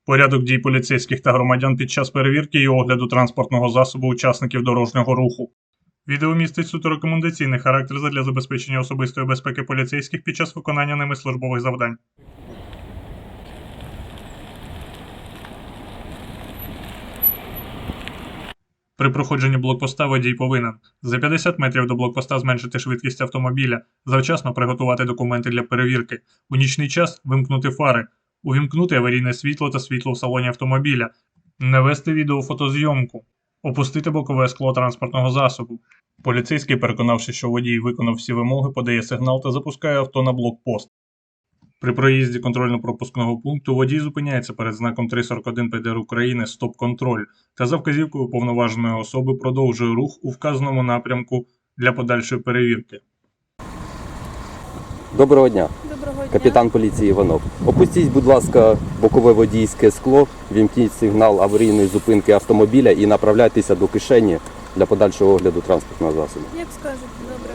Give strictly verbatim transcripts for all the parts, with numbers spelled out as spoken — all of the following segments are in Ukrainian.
Порядок дій поліцейських та громадян під час перевірки і огляду транспортного засобу учасників дорожнього руху. Відео містить суто рекомендаційний характер задля забезпечення особистої безпеки поліцейських під час виконання ними службових завдань. При проходженні блокпоста водій повинен за п'ятдесят метрів до блокпоста зменшити швидкість автомобіля, завчасно приготувати документи для перевірки, у нічний час вимкнути фари, увімкнути аварійне світло та світло в салоні автомобіля, не вести відеофотозйомку, опустити бокове скло транспортного засобу. Поліцейський, переконавшись, що водій виконав всі вимоги, подає сигнал та запускає авто на блокпост. При проїзді контрольно-пропускного пункту водій зупиняється перед знаком три сорок один Пе Де Ер України «Стоп-контроль» та за вказівкою уповноваженої особи продовжує рух у вказаному напрямку для подальшої перевірки. Доброго дня, Доброго дня. капітан поліції Іванов. Опустіть, будь ласка, бокове водійське скло, вімкніть сигнал аварійної зупинки автомобіля і направляйтеся до кишені для подальшого огляду транспортного засобу. Як скажете, добре.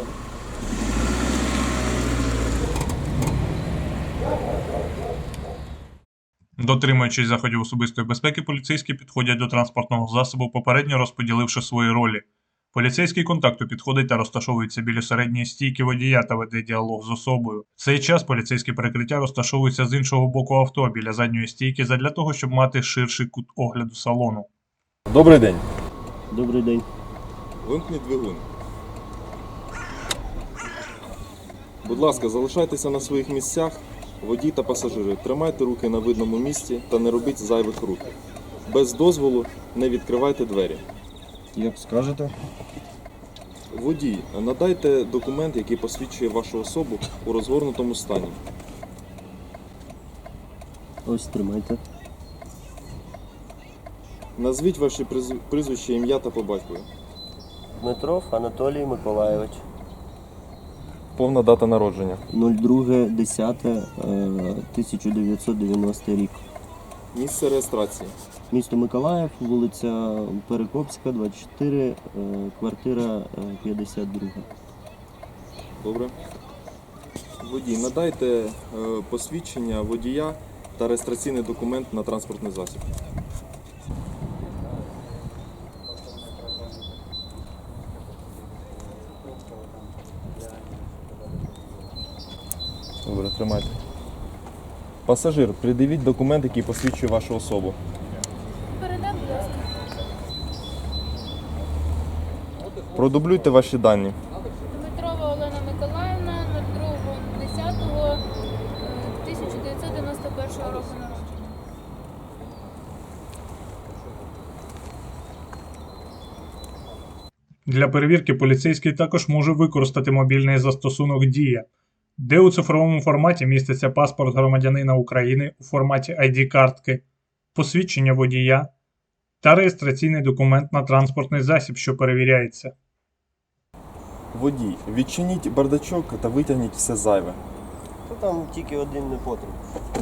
Дотримуючись заходів особистої безпеки, поліцейські підходять до транспортного засобу, попередньо розподіливши свої ролі. Поліцейський контакту підходить та розташовується біля середньої стійки водія та веде діалог з особою. В цей час поліцейське перекриття розташовується з іншого боку авто, біля задньої стійки, задля того, щоб мати ширший кут огляду салону. Добрий день. Добрий день. Вимкніть двигун. Будь ласка, залишайтеся на своїх місцях. Водій та пасажири, тримайте руки на видному місці та не робіть зайвих рухів. Без дозволу не відкривайте двері. Як скажете? Водій, надайте документ, який посвідчує вашу особу у розгорнутому стані. Ось тримайте. Назвіть ваші призв- прізвище, ім'я та по батькові. Дмитров Анатолій Миколайович. Повна дата народження. друге десяте тисяча дев'ятсот дев'яностий рік. Місце реєстрації. Місто Миколаїв, вулиця Перекопська, двадцять чотири, е, квартира е, п'ятдесят два. Добре. Водій, надайте е, посвідчення водія та реєстраційний документ на транспортний засіб. Добре, тримайте. Пасажир, придивіть документ, який посвідчує вашу особу. Передам, будь ласка. Продублюйте ваші дані. Дмитрова Олена Миколаївна, другого десятого тисяча дев'ятсот дев'яносто першого року народження. Для перевірки поліцейський також може використати мобільний застосунок «Дія», де у цифровому форматі міститься паспорт громадянина України у форматі ай ді-картки, посвідчення водія та реєстраційний документ на транспортний засіб, що перевіряється. Водій, відчиніть бардачок та витягніть все зайве. То там тільки один не потрібен.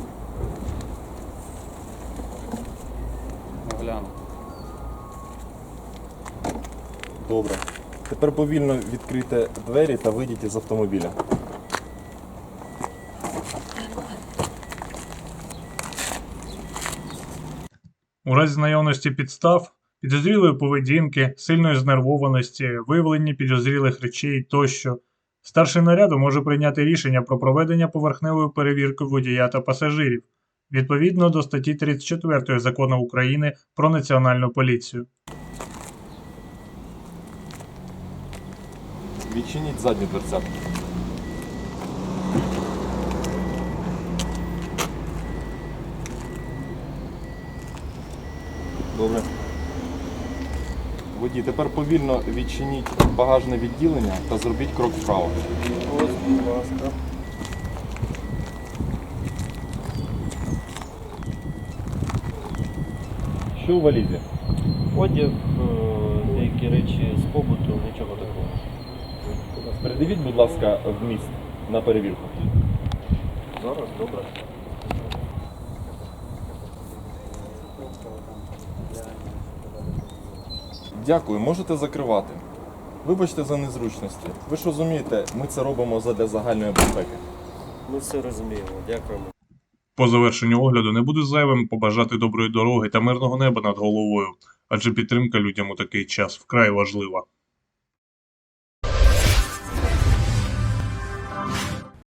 Гляну. Добре. Тепер повільно відкрийте двері та вийдіть із автомобіля. У разі наявності підстав, підозрілої поведінки, сильної знервованості, виявлення підозрілих речей тощо, старший наряду може прийняти рішення про проведення поверхневої перевірки водія та пасажирів, відповідно до статті тридцять четвертої Закону України про Національну поліцію. Відчиніть задню дверцяту. Добре. Водій, тепер повільно відчиніть багажне відділення та зробіть крок вправо. Ось, будь ласка. Що у валізі? Одяг, е, деякі речі з побуту, нічого такого. Передивіть, будь ласка, вміст на перевірку. Зараз, добре. Дякую, можете закривати. Вибачте за незручності. Ви ж розумієте, ми це робимо задля загальної безпеки. Ми все розуміємо. Дякуємо. По завершенню огляду не буде зайвим побажати доброї дороги та мирного неба над головою, адже підтримка людям у такий час вкрай важлива.